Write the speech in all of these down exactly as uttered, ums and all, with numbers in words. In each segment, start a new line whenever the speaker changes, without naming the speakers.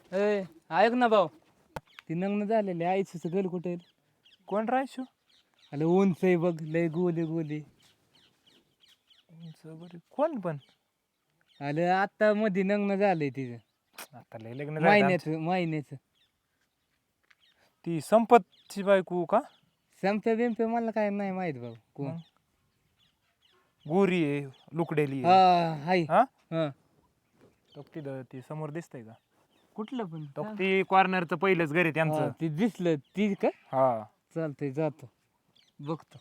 ए ऐक ना भाऊ, ती नग्न झालेली आईचं घर कुठे
कोण राहायचो
अरे उंच आहे बघ, लय गोली गोली.
कोण पण
अरे आता मध्ये नग्न झालंय तिचं,
आता लय लग्न झालं
महिन्याचं महिन्याचं.
आमचं. ती संपतची बायको का
संपे बिंपे मला काय नाही माहित भाऊ कोण.
मग? गोरी आहे लुकडेली
हा
आहे.
हाय
हा
हा.
तो तिथं ती समोर दिसतंय का
कुठलं पण
तो
सांग.
ती कॉर्नरचं पहिलंच घर आहे
हा,
त्यांचं.
ती दिसलं ती का?
हा
चालतंय जातो बघतो.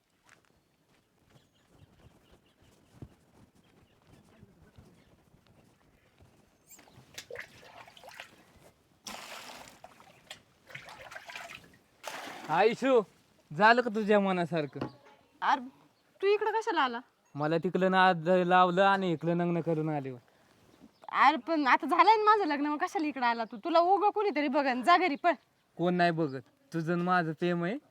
आयुषू झालं का तुझ्या मनासारखं?
अरे तू इकडं कशाला आला?
मला तिकडं ना लावलं आणि इकडं नग्न करून आले.
अरे पण आता झालंय ना माझं लग्न, मग कशाला इकडं आला तू? तुला उगं कोणीतरी बघन, जा घरी पळ.
कोण नाही बघत, तुझं आणि माझं प्रेम आहे.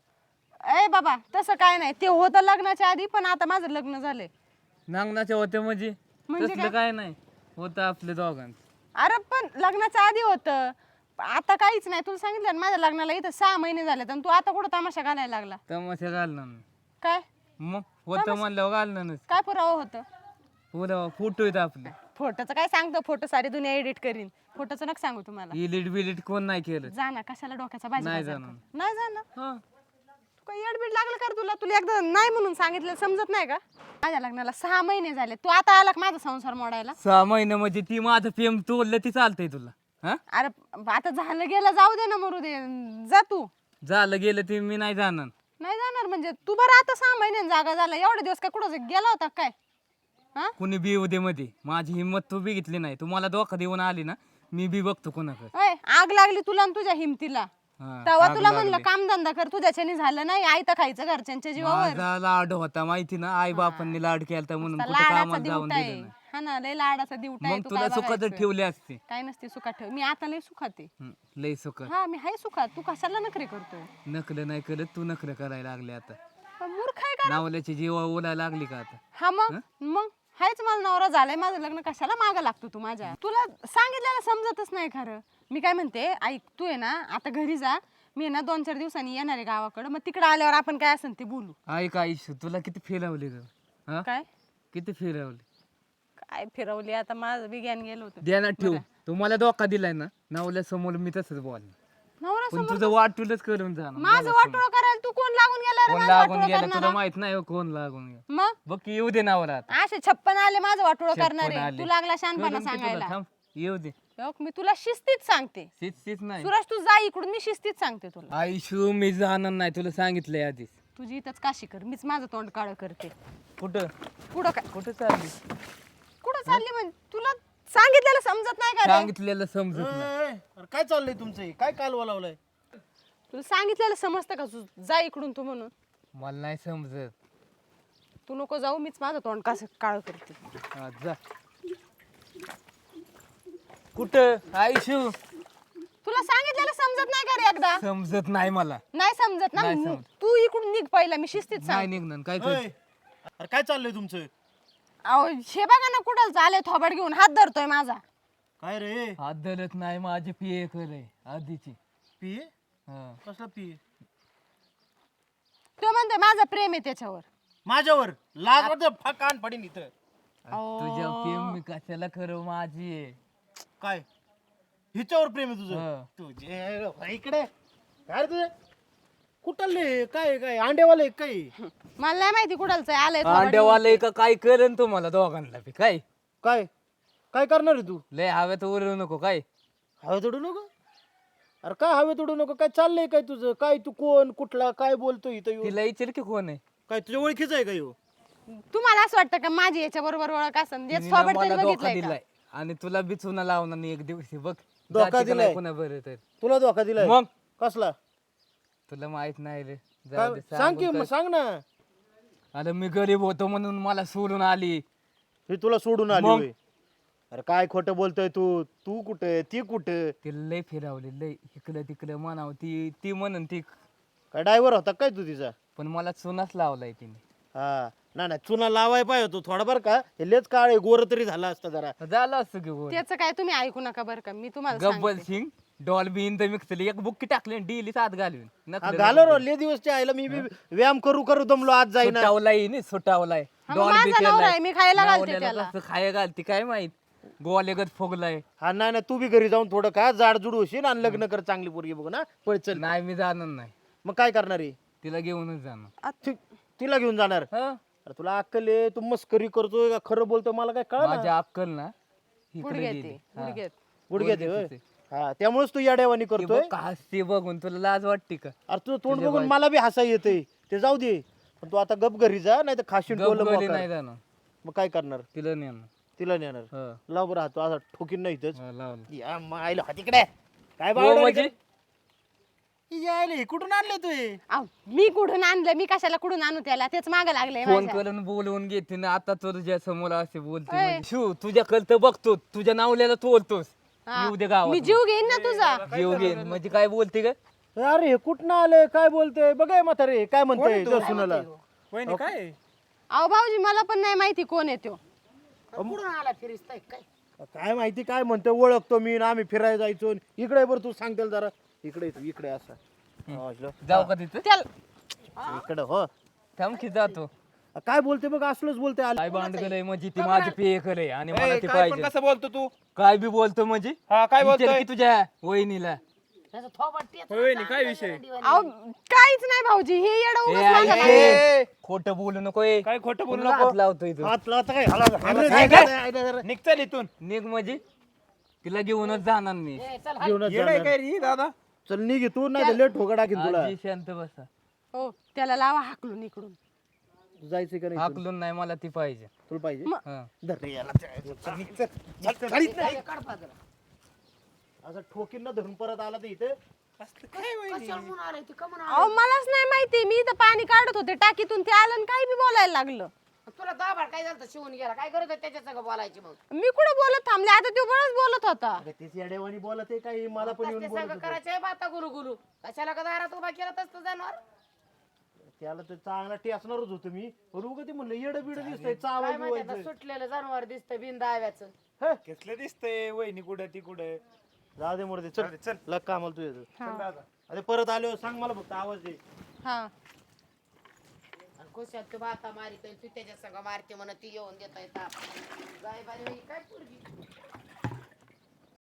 ए बाबा तसं काय नाही, ते होतं लग्नाच्या आधी, पण आता माझं लग्न झालंय.
नांगणाच्या होत्या म्हणजे
म्हणजे
तसलं
काय?
काय नाही होतं आपल्या दोघांचं.
अरे पण लग्नाच्या आधी होतं, आता काहीच नाही. तुला सांगितलं ना माझ्या लग्नाला इथं सहा महिने झाले, आणि तू आता कुठं तमाशा घालायला लागला?
तमाशा घालणार नाही.
काय
मग होतं म्हणल्यावर घालणार नाही.
काय पुरावा होतं?
पुढं फोटो आहेत आपले.
फोटोचं काय सांगतो? फोटो सारी दुनिया एडिट करीन, फोटोचं नका सांगू तुम्हाला.
इलिट बिलिट कोण नाही केलं.
जा ना, कशाला डोक्याचा भाजी
नाही
बाजार
जाणार.
कर? नाही जाणार.
हा.
तू काही एडबीड लागलं कर तुला? तुला एकदा नाही म्हणून सांगितलं समजत नाही का? माझ्या लग्नाला सहा महिने झाले, तू आता आला का माझा संसार मोडायला?
सहा महिने म्हणजे ती माझं प्रेम तोडलं ती चालतंय तुला? हा
अरे आता झालं गेलं, जाऊ दे ना, मरू दे, जा तू.
झालं गेलं ते मी नाही जाणार.
नाही जाणार म्हणजे तू बरं आता सहा महिन्यात जागा झाला, एवढे दिवस काय कुठं गेला होता काय? हा
कुणी बी उदे मध्ये माझी हिंमत तू बघितली नाही. तुम्हाला धोका देऊन आली ना, मी बी बघतो कोणाकडे.
ओय, आग लागली तुला आणि तुझ्या हिमतीला.
हा,
तेव्हा
आग
तुला
लागली.
म्हणलं कामधंदा कर, तुझ्याच्याने झालं नाही, आयतं खायचं घरच्यांच्या जीवावर.
माझा लाड होता माहिती ना, आई बापांनी लाड केलता म्हणून कुठं
लाडाचा
कामाला जाऊन
दिवटा
दिलं
आहे.
नाही.
हा ना, लय लाडाचा दिवटा आहे.
मग
तू
तुला
काय
सुखात
बघायचं?
ठेवले असते.
काय नसते सुखात ठेव, मी आता लय सुखात आहे.
हं, लय सुख.
हा मी हाय सुखात, तू कशाला नखरे करतो?
नकल नाही करत तू, नखर करायला लागले आता.
पण मूर्ख आहे का?
नावल्याची जीवा ओलायला लागली का आता?
हा मग मग हायच मला नवरा झालाय, माझं लग्न कशाला मागं लागतो तू माझ्या? तुला सांगितलेलं समजतच नाही खरं. मी काय म्हणते, ऐक, तू आहे ना आता घरी जा, मी आहे ना दोन चार दिवसांनी येणार आहे गावाकडं, मग तिकडे आल्यावर आपण काय असेल ते बोलू.
ऐक आयुष्य, तुला किती फिरवली ग? हा
काय
किती फिरवली?
काय फिरवली आता, माझं विज्ञान गेलं होतं.
ध्यानात ठेव, तुम्हाला धोका दिलाय ना, नावल्या समोर मी तसंच बोल.
नवरा
पण
समोर
तुझं वाटूलच करून जाणार.
माझं वाटोळं करायला तू कोण लागून गेला रे?
कोण
माझं
लागून
वाटोळं
गेलं तुला
करणारा?
माहित नाही हो, कोण लागून गेलं.
मग
बघ की येऊ दे नावर आता.
असे छप्पन आले माझं वाटोळं
छप्पन
करणारे,
आले.
तू लागला शानपणा
करून की तुला?
सांगायला.
थांब, येऊ दे.
बघ, मी तुला शिस्तीत सांगते.
सीच सीच नाही
सुरज तू जा इकडून, मी शिस्तीत सांगते तुला.
आयुष्य मी जाणार नाही, तुला सांगितलंय आधीच.
तुझी इथंच काशी कर, मीच माझं तोंड काळं करते.
कुठं
पुढं काय
कुठं चालली?
कुठं चालली म्हणजे? तुला सांगितलेलं समजत नाही का रे?
सांगितलेलं समजत नाही.
ए, अरे काय चाललंय तुमचं हे? काय कालवा लावलाय?
तुला सांगितलेलं समजतं का? तू जा इकडून तू म्हणून.
मला नाही समजत.
तू नको जाऊ, मीच माझं तोंड कसं काळं करते.
हा, जा. कुठं आयुष्य?
तुला सांगितलेलं समजत नाही का रे एकदा?
समजत नाही मला.
नाही समजत ना?
नाही समजत.
तू इकडून निघ पहिला, मी शिस्तीत
नाही
सांग.
निघणार काय
ए,
कर.
अरे काय चाललंय तुमचं?
अहो हे बघा ना, कुठं चालय थोबाड घेऊन, हात धरतोय माझा.
काय रे?
हात धरत नाही, माझी पिये करे आधीची.
पिये?
हा.
कसला पिये?
तो म्हणतोय माझं प्रेम आहे त्याच्यावर.
माझ्यावर लाज वाटत फकान पडीन इथं.
तुझ्या प्रेम मी कशाला करू, माझी आहे.
काय हिच्यावर प्रेम आहे
हा.
तुझं? तुझे भाई इकडे काय रे तुझे? कुठले काय काय अंडेवाले काय?
मला नाही माहिती कुठलचं आहे, आलंय थोबाड घेऊन.
अंड्यावाले का काय करेन तुम्हाला दोघांना बी काय?
काय काय करणार आहे तू?
लय हव्यात उरू नको काय.
हवे तोडू नको. अरे काय हवे तोडू नको? काय चाललंय काय तुझं? काय तू कोण कुठला काय बोलतो इथं येऊन?
तिला विचार की कोण आहे.
काय तुझ्या ओळखीचं आहे का ह्यो?
तुम्हाला असं वाटतं का माझी याच्या बरोबर ओळख असेल?
तिने
थोबाड
मला
तरी
धोका
बघितलंय का?
दिलाय आणि तुला बी चुना लावणार नाही एक दिवशी बघ.
धोका
जाती का नाही
दिलाय?
कोणा बरं तर.
तुला धोका दिलाय?
मग
कसला?
तुला माहित नाही रे.
काय
जाऊ दे,
सांग की
सांगून
मग
काय.
सांग ना.
अरे मी गरीब होतो म्हणून मला सोडून आली.
हे तुला सोडून आली
मग?
होय? अरे काय खोटं बोलतोय तू? तू कुठे ती कुठे?
तिला लय फिरवली लय, इकडं तिकडं म्हणावं ती ती म्हणून ती.
काय ड्रायव्हर होता काय तू तिचा?
पण मला चुनाच लावलाय तिने.
हा नाही नाही चुना लावाय पाहिजे होतो थोडा बरं का हे लेच काळे गोर तरी झाला असता जरा.
झालं असतं की गोल.
त्याचं काय तुम्ही ऐकू नका बरं का मी तुम्हाला
गब्बल
सांगते.
सिंग डॉल्बी इन द मिक्सर एक बुक्की टाकली डेली सात घालून
हा,
नकलं
घालो रो ले दिवसच्या आईला मी बी व्यायाम करू करू दमलो आज जाईना.
सुटावलाय नी सुटावलाय
हा, मग माझा नवरा आहे, मी खायला घालते त्याला.
खाया घालते काय माहित गोवालेगत फोगलाय.
हा नाही नाही तू बी घरी जाऊन थोडं का जाडजूड होशील आणि लग्न कर चांगली पोरगी बघू ना पळ चल.
नाही मी जाणार नाही
मग काय करणार आहे
तिला घेऊनच जाणार.
ति- तिला घेऊन जाणार.
हं?
अरे तुला अक्कल आहे तू मस्करी करतोय का खरं बोलतोय मला काय कळ
माझ्या अक्कल ना इकडे
गुडघ्यात
गेली.
आहे,
हा.
गुडघ्यात.
गुडघ्यात आहे
गुडघ्यात
होय.
आहे.
हा त्यामुळेच तू याड्यावानी
ती
करतोय.
बघ का हसते बघून तुला लाज वाटते का?
अरे तुझं तोंड बघून मला बी हसा येते ते जाऊ दे पण तू आता गप घरी जा नाही तर खाशील टोलं
गपगली
मोकार.
नाही जाणार
मग काय करणार
तिला नेणार.
तिला नेणार.
हं.
लाव बरं हा, तू असा ठोकीन नाही इथंच.
हा, लावलं.
या मायला हा तिकडे काय
हो
बावळा
म्हणजे
रे? यायले हे कुठून आणले तू हे?
अहो, मी कुठून आणलं मी कशाला कुठून आणू त्याला तेच माग लागले
फोन करून बोलवून घेते ना आता तुझ्या समोर असे बोलते
ओय.
म्हणजे. शिव तुझ्या तर बघतो तुझ्या नावल्याला तोलतोस येऊ दे गावात
मी जीव घेईन ना तुझा.
जीव घेईन म्हणजे काय बोलते का?
अरे हे कुठनं आले काय बोलते बघाय म्हातारे काय म्हणतोय तुझ्या सुनाला.
वहिनी काय
अहो भाऊजी मला पण नाही माहिती कोण आहे तो.
काय माहिती काय म्हणतोय ओळखतो मी ना आम्ही फिरायला जायचो इकडे बरं तू सांग त्याला जरा इकडे ये तू, इकडे असा हा, इकडं.
जाऊ का तिथं
त्याला
इकडं हो
थांब की जातो.
काय बोलते बघ असलंच बोलते आले.
काय भांडगलय म्हणजे ती माझी पेय करे आणि मला
ए,
ते
काय पण
पाहिजे.
कसं बोलतो तू
काय बी बोलतो म्हणजे
हा काय
विचार
बोलतोय
की तुझ्या वहिनीला.
होय वहिनी काय विषय
अहो काहीच नाही भाऊजी हे येडं
ए,
उगाच
आई,
मागं
ए,
लागलंय.
खोटं बोलू नको ए.
काय खोटं बोलू
तुला
नको
हात लावतोय तू.
हात लावता काय हाला- हाला-
काय
हाला-
काय?
हाला- हाला-
निघ चल इथून
निघ म्हणजे तिला घेऊनच जाणार मी.
घेऊनच
येडय
जाणार.
काय रे दादा
चल निघ तू नाही तर लेट ठोका टाकीन तुला.
आजी शांत बसा.
हो त्याला लावा हाकलून इकडून.
तू जायचं का नाही इथून?
हाकलून नाही मला ती पाहिजे.
तुला पाहिजे
हं.
धर रे याला. चल, निघ, चल. चल, चल, चल, इथनं. असं ठोकीन ना धरून परत आला तर इथे
काय वहिनी
अहो मलाच नाही माहिती मी इथं पाणी काढत होते टाकीतून ते आलं आणि काही बी बोलायला लागलं.
तुला दाबाड काय झालं शिवून गेला काय करत होता त्याच्या संग बोलायची मग
मी कुठं बोलत थांबले आता तो बरंच बोलत होता.
अगं, तेच येड्यावानी बोलत आहे काही मला पण येऊन
ते
बोलत
संग
होतं.
करायचे बाता गुलू गुलू कशाला का दारात उभा केला तसं जाणार
त्याला तर चांगला टेसणारच होतो मी पण उगा ते म्हणलं येडं बिड दिसतंय
काय
चावाय
माहिती आता
बिवायचं.
सुटलेलं जनावर दिसतं बिन दाव्याचं
हे,
कसलं दिसतंय वहिनी कुठं ती कुठं
जाऊ दे मोरदे चल चल लग कामाला तू येतो.
हा.
अरे परत आलो सांग मला फक्त आवाज दे.
हा
आणि खुशात तू बाता मारितोय तू त्याच्या संग मारते म्हणत ती येऊन देतोय ताप जाय बाई काय पोरगी